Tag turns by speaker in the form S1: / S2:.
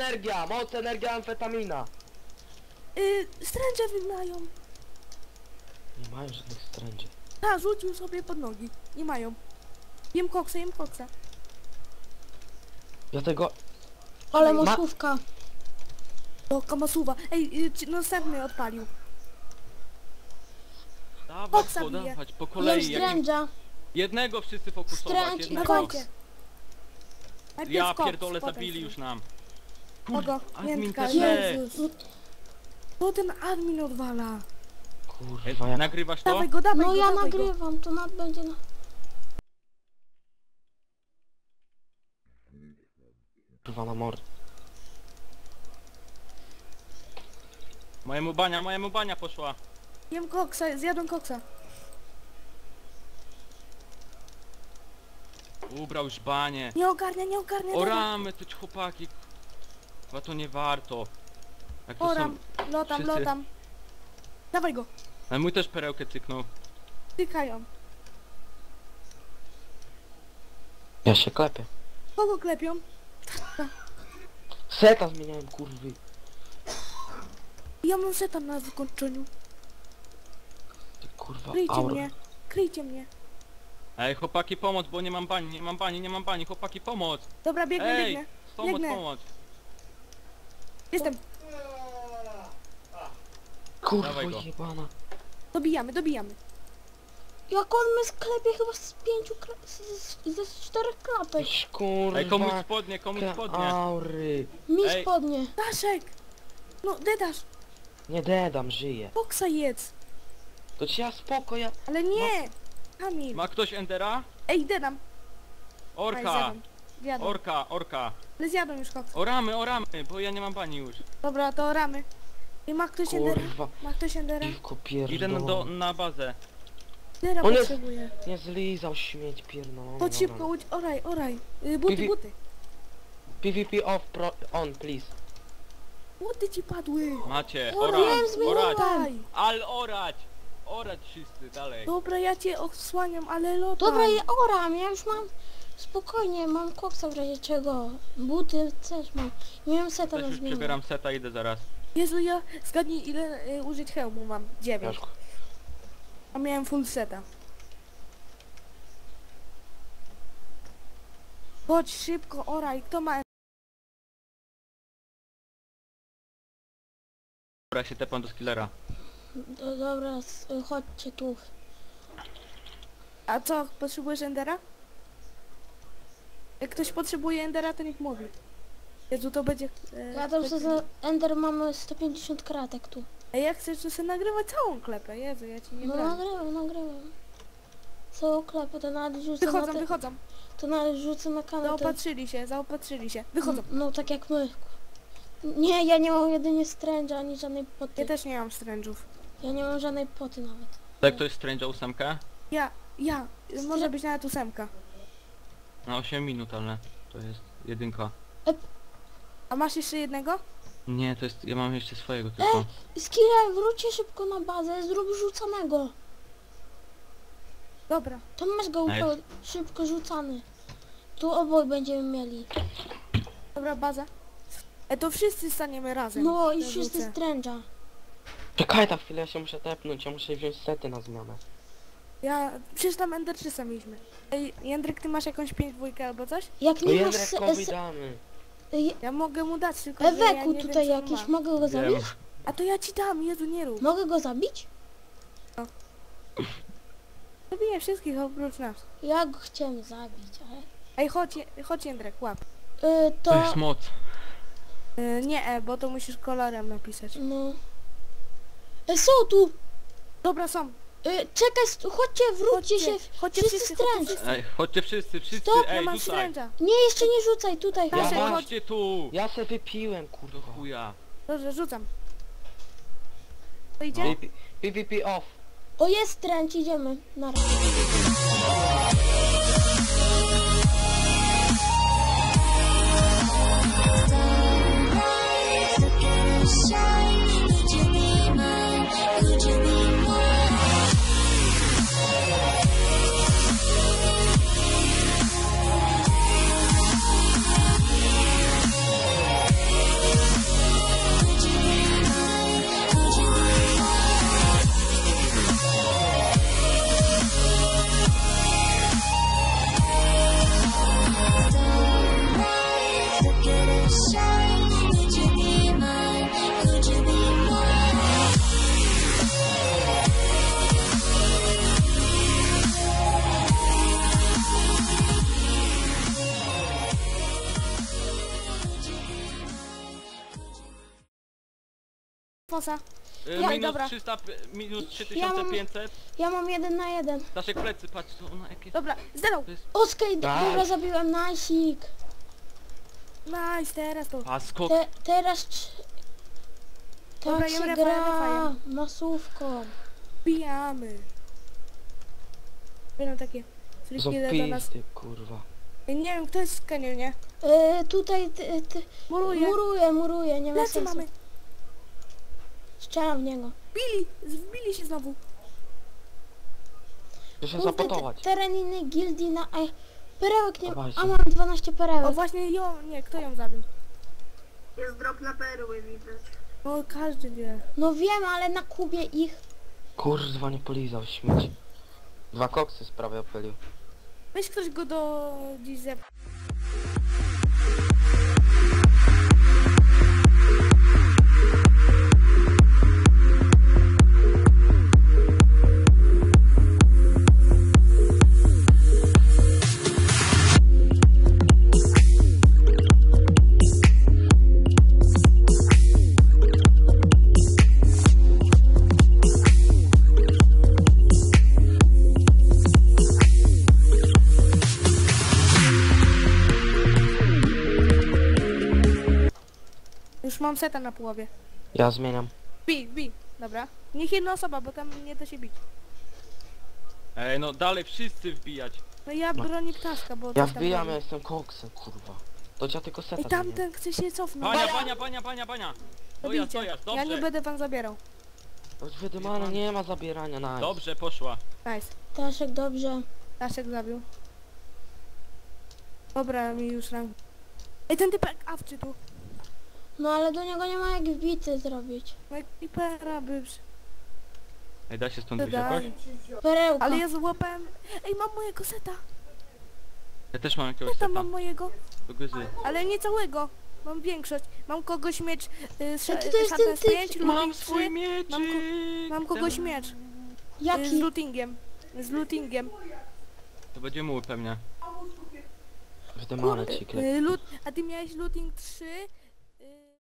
S1: moc, energia, amfetamina.
S2: Stręcze wymają.
S1: Nie mają żadnych stręczy.
S2: Ta, rzucił sobie pod nogi. Nie mają. Jem koksa, jem koksa.
S1: Ja tego...
S3: Ale mosówka.
S2: O, kamasuwa. Ej, następny odpalił.
S4: Dawać,
S2: Koksa
S4: podawać, po
S3: Jem
S4: kolei.
S3: stręża.
S4: Jednego wszyscy fokusować,
S3: Stręcz i
S4: jednego.
S2: Dawajcie. Najpierw
S4: Ja
S2: koks,
S4: pierdolę,
S2: potem
S4: zabili
S2: stręcz.
S4: już nam.
S2: Kogo?
S4: Admin
S2: Jędrka,
S4: też.
S2: Jezus. Co ten admin odwala?
S1: Kurwa, jak...
S4: Nagrywasz to?
S2: Dawaj go, dawaj
S3: No
S2: go,
S3: ja
S2: dawaj go.
S3: nagrywam, to będzie na...
S1: Kurwa na mord.
S4: Mojemu bania poszła.
S2: Jem koksa, zjadłem koksa.
S4: Ubrał już banie.
S2: Nie ogarnia, nie ogarnia.
S4: O
S2: dawaj.
S4: ramy, to ci chłopaki. Chyba to nie warto. Jak to
S2: Oram,
S4: są...
S2: lotam,
S4: wszyscy-
S2: lotam. Dawaj go,
S4: Ale mój też perełkę cyknął.
S2: tykają.
S1: Ja się klepię.
S2: Kogo klepią?
S1: Seta zmieniałem, kurwy.
S2: Ja mam seta na wykończeniu.
S1: Ty kurwa,
S2: Kryjcie
S1: aura.
S2: mnie, kryjcie mnie.
S4: Ej, chłopaki pomoc, bo nie mam bani, nie mam bani, chłopaki pomoc.
S2: Dobra, biegnę,
S4: Ej,
S2: biegnę.
S4: pomoc,
S2: Biegnę.
S4: pomoc.
S2: Jestem.
S1: Kurwa
S4: Dawaj go.
S1: jebana.
S2: Dobijamy, dobijamy.
S3: Jak on mnie sklepie chyba z 5 ze 4 klapek.
S1: Iś, kurwa.
S4: Ej, komuś spodnie, komuś
S1: te
S4: spodnie.
S1: aury.
S3: Mi
S4: Ej.
S3: spodnie.
S2: Daszek! No, dedasz,
S1: Nie dedam, żyję.
S2: koksa jedz.
S1: To ci ja spoko, ja...
S2: Ale nie! Kamil.
S4: Ma ktoś Endera?
S2: Ej, dedam. Aj,
S4: Orka,
S2: zjadam. Zjadam.
S4: orka.
S2: Ale zjadłem już koksa.
S4: Oramy, bo ja nie mam bani już.
S2: Dobra, to ramy. I ma ktoś endera?
S1: Kurwa.
S2: Ma ktoś endera?
S1: Piwko
S4: Idę
S1: pierdolone.
S4: na bazę.
S2: Endera
S1: On jest-
S2: potrzebuje.
S1: Nie zlizał śmieć pierdolony.
S2: Chodź szybko, oraj, oraj. Buty,
S1: Piwi-
S2: buty.
S1: PvP off, on, please.
S2: Buty ci padły.
S4: Macie,
S3: Wiem, zmieniłem.
S2: Daj.
S4: ale orać! Orać wszyscy, dalej.
S2: Dobra, ja cię odsłaniam, ale lotaj.
S3: Dobra, ja oram, ja już mam... Spokojnie, mam koksa w razie czego. Buty też mam. Nie mam seta
S4: Też
S3: na
S4: już
S3: zmianę.
S4: przebieram seta, idę zaraz.
S2: Jezu, ja zgadnij ile użyć hełmu mam. 9.
S1: Jaszku.
S2: A miałem full seta. Chodź szybko, oraj. Kto ma...
S4: Dobra, ja się tepam do skillera.
S3: Dobra, chodźcie tu.
S2: A co, potrzebujesz endera? Jak ktoś potrzebuje endera, to niech mówi. Jezu, to będzie...
S3: Ja tam sobie za Ender mamy 150 kratek tu.
S2: Ej, jak chcesz, to sobie nagrywać całą klepę. Jezu, ja ci nie
S3: No
S2: brałem.
S3: nagrywam. Co klepę, to nawet rzucę
S2: Wychodzą,
S3: na te,
S2: wychodzą.
S3: to nawet rzucę na kanał.
S2: Zaopatrzyli się. Wychodzą.
S3: No tak jak my. Nie, ja nie mam jedynie stręża, ani żadnej poty.
S2: Ja też nie mam strężów.
S3: Ja nie mam żadnej poty nawet.
S4: Tak, to jest Strange'a 8?
S2: Ja. Może być nawet 8.
S4: Na 8 minut, ale to jest jedynka.
S2: A masz jeszcze jednego?
S4: Nie, to jest, ja mam jeszcze swojego tylko.
S3: Skilla, wróćcie szybko na bazę, zrób rzucanego.
S2: Dobra.
S3: To masz go
S4: Ej.
S3: szybko rzucany. Tu oboj będziemy mieli.
S2: Dobra, baza. To wszyscy staniemy razem.
S3: No i
S2: Ja
S3: wszyscy
S2: rzucę.
S3: stręża.
S1: Czekaj na chwilę, ja się muszę tepnąć, ja muszę wziąć sety na zmianę.
S2: Przecież tam Ender 300 mieliśmy. Ej, Jędryk, ty masz jakąś 5-2 albo coś?
S3: Jak
S1: No
S3: nie masz
S1: Jędrekowi damy.
S2: Ja mogę mu dać, tylko że ja
S3: Eweku
S2: nie
S3: tutaj
S2: wiem, co on
S3: jakiś,
S2: ma.
S3: mogę go zabić?
S2: A to ja ci dam, Jezu, nie rób.
S3: Mogę go zabić?
S2: Zabiję wszystkich oprócz nas.
S3: Ja go chciałem zabić, ale...
S2: Ej, chodź Jędrek, łap.
S4: To jest moc.
S2: Nie, bo to musisz kolorem napisać.
S3: No... Są tu!
S2: Dobra, są.
S3: Czekaj, chodźcie, wróćcie się,
S2: Chodźcie
S3: wszyscy
S2: chodźcie
S3: stręcz.
S4: Ej, chodźcie wszyscy,
S3: Stop,
S2: Ja
S4: ej,
S2: mam
S4: rzucaj.
S2: stręża.
S3: Nie, jeszcze nie rzucaj, tutaj,
S2: Ja
S3: chodź.
S2: się-
S4: Chodźcie tu!
S1: Ja se wypiłem,
S4: Do
S1: kurwa.
S4: chuja.
S2: Dobrze, rzucam. To idzie?
S1: PvP off.
S3: O, jest stręcz, idziemy. Na razie.
S2: kosmosa.
S3: Ja-
S4: minus
S2: dobra.
S4: 300, minus 3500.
S3: Ja mam 1 na 1.
S4: Staszek plecy, patrz, to ona jakie...
S2: Dobra, zero.
S4: To jest...
S3: Oskej,
S1: Tak.
S3: dobra, zabiłem nasik.
S2: Nice, teraz to.
S4: A skok...
S3: Teraz...
S2: Dobra,
S3: Tak
S2: jem
S3: się
S2: refa,
S3: gra
S2: refa,
S3: masówką.
S2: Bijamy. Będą takie frikile do nas.
S1: Zopisty, kurwa.
S2: Nie wiem, kto jest w kanionie.
S3: Tutaj
S2: Muruje.
S3: muruję, nie ma
S2: Lecy
S3: sensu.
S2: mamy.
S3: Strzelam w niego.
S2: Wbili się znowu.
S1: Muszę się
S3: Kurde,
S1: zapotować.
S3: teren innej gildii na... Ej, perełek nie...
S1: Dawajcie.
S3: A mam 12
S2: O,
S3: perełek.
S2: właśnie ją, nie, kto ją zabił?
S5: Jest drop na perły widać.
S2: No, każdy wie.
S3: No wiem, ale na kubie ich...
S1: Kurwa, nie polizał śmieć. 2 koksy z prawej opylił.
S2: Weź ktoś go do dziś zep. Już mam seta na połowie.
S1: Ja zmieniam.
S2: Bij. Dobra. Niech jedna osoba, bo tam nie da się bić.
S4: Ej, no dalej wszyscy wbijać.
S2: No ja bronię ptaszka, bo...
S1: Ja
S2: coś tam
S1: wbijam,
S2: robi.
S1: ja jestem koksem, kurwa. To ja tylko seta
S2: Ej,
S1: zmieniam.
S2: tamten chce się cofnąć.
S4: Bania!
S2: Zabijcie.
S4: Dojazd, dobrze.
S2: Ja nie będę wam zabierał.
S1: Choć wydymane, nie ma zabierania, nice.
S4: Dobrze, poszła.
S2: Nice.
S3: Staszek, dobrze.
S2: Staszek zabił. Dobra, mi już rank. Ej, ten typek awczy tu.
S3: No ale do niego nie ma jak wbity zrobić.
S2: No i creepera by...
S4: Ej, da się stąd wyjść
S2: Da.
S4: jakoś?
S3: Perełka.
S2: Ale ja złapałem... Ej, mam mojego seta.
S4: Ja też mam jakiegoś
S2: Ja tam
S4: seta.
S2: mam mojego.
S4: Do gryzy.
S2: Ale nie całego. Mam większość. Mam kogoś miecz...
S3: A to jest ten typ.
S2: 5,
S4: Mam
S2: looting
S4: swój
S2: 3.
S4: mieczyk!
S2: Mam kogoś miecz. Z
S3: Jaki?
S2: lootingiem. Z lootingiem.
S4: To będzie mój pewnie.
S1: Wydymane ci klep.
S2: A ty miałeś looting 3,